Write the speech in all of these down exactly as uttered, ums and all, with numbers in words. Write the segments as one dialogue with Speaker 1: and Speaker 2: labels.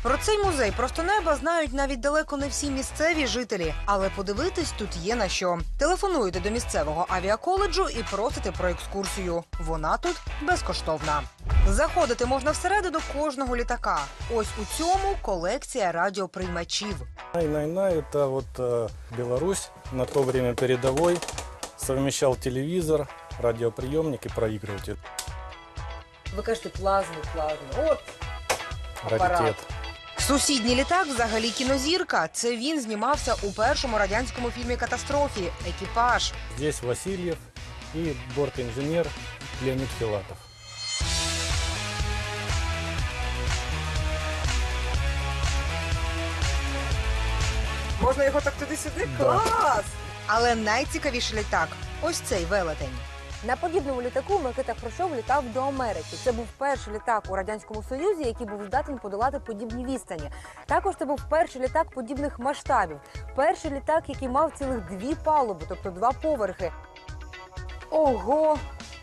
Speaker 1: Про цей музей просто неба знають навіть далеко не всі місцеві жителі, але подивитись тут є на що. Телефонуєте до місцевого авіаколеджу і просите про екскурсію. Вона тут безкоштовна. Заходити можна всередину кожного літака. Ось у цьому колекція радіоприймачів.
Speaker 2: Най-най-най – это вот э, Беларусь на то время передовой. Совмещал телевизор, радиоприемник и проигрыватель.
Speaker 1: Ви кажете, плазму, плазму. От апарат.
Speaker 2: Раритет.
Speaker 1: Сусідній літак взагалі кінозірка. Це він знімався у першому радянському фільмі «Катастрофі» «Екіпаж».
Speaker 2: Здесь Васильев и бортинженер Леонид Филатов.
Speaker 1: Можна його так туди-сюди?
Speaker 2: Да.
Speaker 1: Клас! Але найцікавіший літак – ось цей велетень.
Speaker 3: На подібному літаку Микита Хрущов літав до Америки. Це був перший літак у Радянському Союзі, який був здатен подолати подібні відстані. Також це був перший літак подібних масштабів. Перший літак, який мав цілих дві палуби, тобто два поверхи. Ого!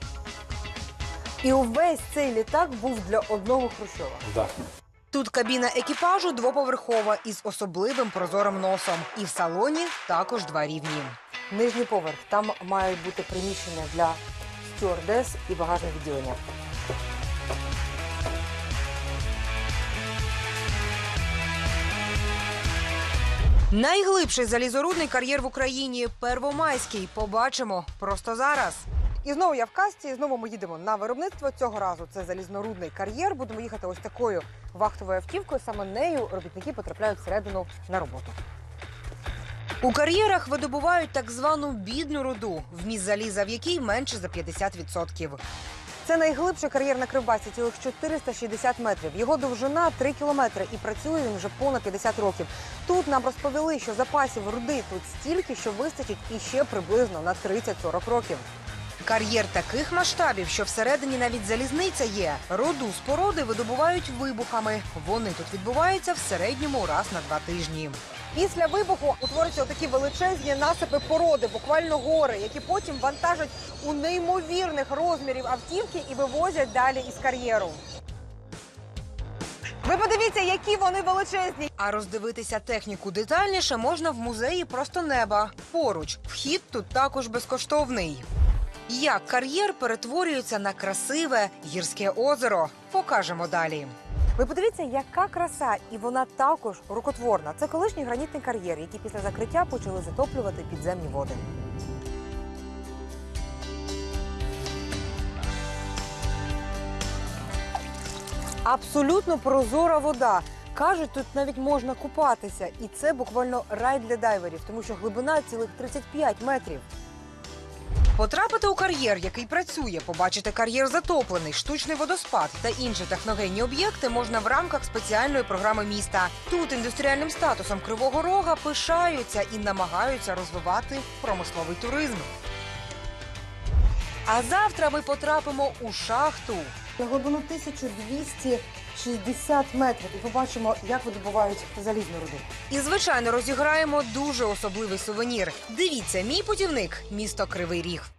Speaker 3: І увесь цей літак був для одного Хрущова.
Speaker 2: Да.
Speaker 1: Тут кабіна екіпажу двоповерхова із особливим прозорим носом. І в салоні також два рівні.
Speaker 3: Нижній поверх. Там мають бути приміщення для стюардес і багажне відділення.
Speaker 1: Найглибший залізорудний кар'єр в Україні – Первомайський. Побачимо просто зараз.
Speaker 3: І знову я в касті, і знову ми їдемо на виробництво. Цього разу це залізнорудний кар'єр. Будемо їхати ось такою вахтовою автівкою. Саме нею робітники потрапляють всередину на роботу.
Speaker 1: У кар'єрах видобувають так звану бідну руду, вміст заліза в якій менше за п'ятдесят відсотків.
Speaker 3: Це найглибший кар'єр на Кривбасі, цілих чотириста шістдесят метрів. Його довжина – три кілометри і працює він вже понад п'ятдесят років. Тут нам розповіли, що запасів руди тут стільки, що вистачить іще приблизно на тридцять-сорок років.
Speaker 1: Кар'єр таких масштабів, що всередині навіть залізниця є. Руду з породи видобувають вибухами. Вони тут відбуваються в середньому раз на два тижні.
Speaker 3: Після вибуху утворюються такі величезні насипи породи, буквально гори, які потім вантажать у неймовірних розмірів автівки і вивозять далі із кар'єру. Ви подивіться, які вони величезні!
Speaker 1: А роздивитися техніку детальніше можна в музеї «Просто неба». Поруч. Вхід тут також безкоштовний. Як кар'єр перетворюється на красиве гірське озеро? Покажемо далі.
Speaker 3: Ви подивіться, яка краса, і вона також рукотворна. Це колишній гранітний кар'єр, який після закриття почали затоплювати підземні води. Абсолютно прозора вода. Кажуть, тут навіть можна купатися. І це буквально рай для дайверів, тому що глибина цілих тридцять п'ять метрів.
Speaker 1: Потрапити у кар'єр, який працює, побачити кар'єр затоплений, штучний водоспад та інші техногенні об'єкти можна в рамках спеціальної програми міста. Тут індустріальним статусом Кривого Рога пишаються і намагаються розвивати промисловий туризм. А завтра ми потрапимо у шахту.
Speaker 3: На глибину тисячу двісті шістдесят метрів. І побачимо, як видобувають залізну руду.
Speaker 1: І, звичайно, розіграємо дуже особливий сувенір. Дивіться, мій путівник – місто Кривий Ріг.